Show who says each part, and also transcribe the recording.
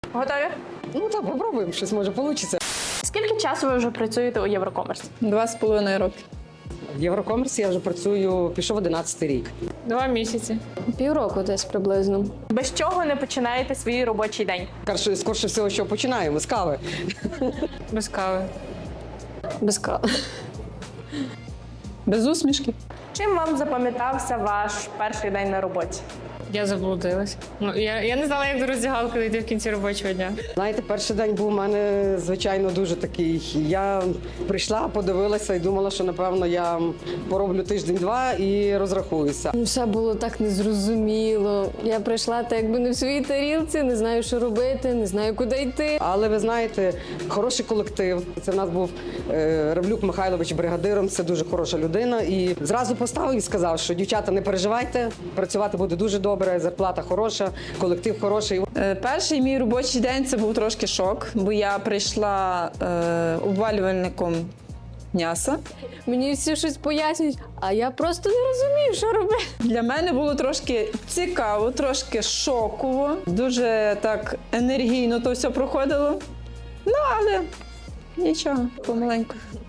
Speaker 1: Готові?
Speaker 2: Ну так, попробуємо, щось може вийде.
Speaker 1: Скільки часу ви вже працюєте у Єврокомерс?
Speaker 3: 2,5 роки.
Speaker 2: В Єврокомерсі я вже працюю, пішов 11-й рік.
Speaker 3: 2 місяці.
Speaker 4: Півроку десь приблизно.
Speaker 1: Без чого не починаєте свій робочий день?
Speaker 2: Скорше всього, що починаємо з кави.
Speaker 3: Без кави.
Speaker 4: Без кави.
Speaker 3: Без усмішки.
Speaker 1: Чим вам запам'ятався ваш перший день на роботі?
Speaker 3: Я заблудилась. Я не знала, як до роздягалки дійти в кінці робочого дня.
Speaker 2: Знаєте, перший день був у мене, звичайно, дуже такий. Я прийшла, подивилася і думала, що, напевно, я пороблю тиждень-два і розрахуюся.
Speaker 4: Все було так незрозуміло. Я прийшла так якби не в своїй тарілці, не знаю, що робити, не знаю, куди йти.
Speaker 2: Але ви знаєте, хороший колектив. Це в нас був Ревлюк Михайлович бригадиром, це дуже хороша людина. І зразу поставив і сказав, що дівчата, не переживайте, працювати буде дуже добре, зарплата хороша, колектив хороший.
Speaker 5: Перший мій робочий день це був трошки шок, бо я прийшла обвалювальником м'яса.
Speaker 4: Мені всі щось пояснюють, а я просто не розумію, що робити.
Speaker 5: Для мене було трошки цікаво, трошки шоково. Дуже так енергійно то все проходило. Ну, але нічого, помаленьку.